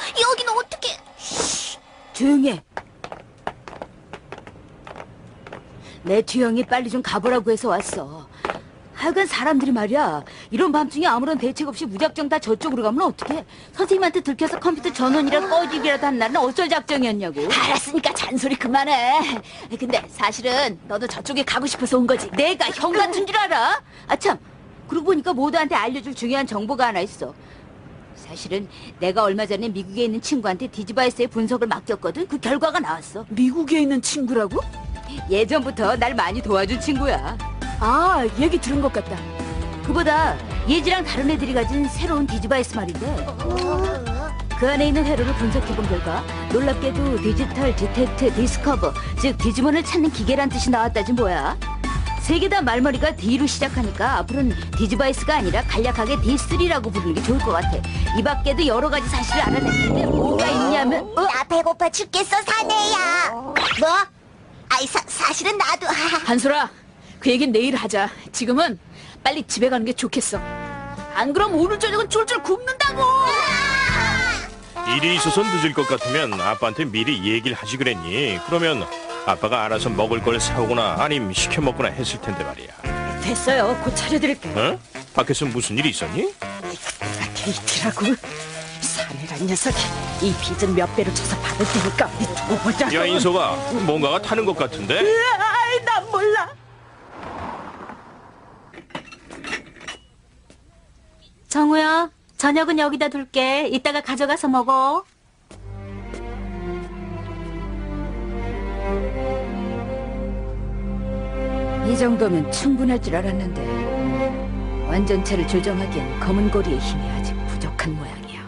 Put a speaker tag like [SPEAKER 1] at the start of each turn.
[SPEAKER 1] 여기는 어떻게?
[SPEAKER 2] 조용히 해. 내 뒤형이 빨리 좀 가보라고 해서 왔어. 하여간 사람들이 말이야, 이런 밤중에 아무런 대책 없이 무작정 다 저쪽으로 가면 어떡해? 선생님한테 들켜서 컴퓨터 전원이라 꺼지기라도 한 날은 어쩔 작정이었냐고.
[SPEAKER 1] 알았으니까 잔소리 그만해. 근데 사실은 너도 저쪽에 가고 싶어서 온 거지.
[SPEAKER 2] 내가 형 같은 줄 알아? 아참, 그러고 보니까 모두한테 알려줄 중요한 정보가 하나 있어. 사실은 내가 얼마 전에 미국에 있는 친구한테 디지바이스의 분석을 맡겼거든. 그 결과가 나왔어.
[SPEAKER 3] 미국에 있는 친구라고?
[SPEAKER 2] 예전부터 날 많이 도와준 친구야.
[SPEAKER 3] 아, 얘기 들은 것 같다.
[SPEAKER 2] 그보다 예지랑 다른 애들이 가진 새로운 디지바이스 말인데, 그 안에 있는 회로를 분석해본 결과 놀랍게도 디지털 디텍트 디스커버, 즉 디지몬을 찾는 기계란 뜻이 나왔다지 뭐야. 세 개 다 말머리가 D로 시작하니까 앞으로는 디지바이스가 아니라 간략하게 D3라고 부르는 게 좋을 것 같아. 이 밖에도 여러 가지 사실을 알아냈는데 뭐가 있냐면,
[SPEAKER 1] 나 배고파 죽겠어, 사내야. 뭐? 아이, 사실은 나도.
[SPEAKER 3] 한솔아, 그 얘기는 내일 하자. 지금은 빨리 집에 가는 게 좋겠어. 안 그럼 오늘 저녁은 쫄쫄 굶는다고.
[SPEAKER 4] 일이 있어서 늦을 것 같으면 아빠한테 미리 얘기를 하지 그랬니? 그러면 아빠가 알아서 먹을 걸 사오거나 아님 시켜 먹거나 했을 텐데 말이야.
[SPEAKER 2] 됐어요. 곧 차려드릴게.
[SPEAKER 4] 어? 밖에서 무슨 일이 있었니?
[SPEAKER 3] 데이트라고? 사내란 녀석이 이 빚은 몇 배로 쳐서 받을 테니까 우리 두고 보자.
[SPEAKER 4] 야, 인서가 뭔가가 타는 것 같은데?
[SPEAKER 3] 아이, 난 몰라.
[SPEAKER 2] 정우야, 저녁은 여기다 둘게. 이따가 가져가서 먹어. 이 정도면 충분할 줄 알았는데 완전체를 조정하기엔 검은 고리의 힘이 아직 부족한 모양이야.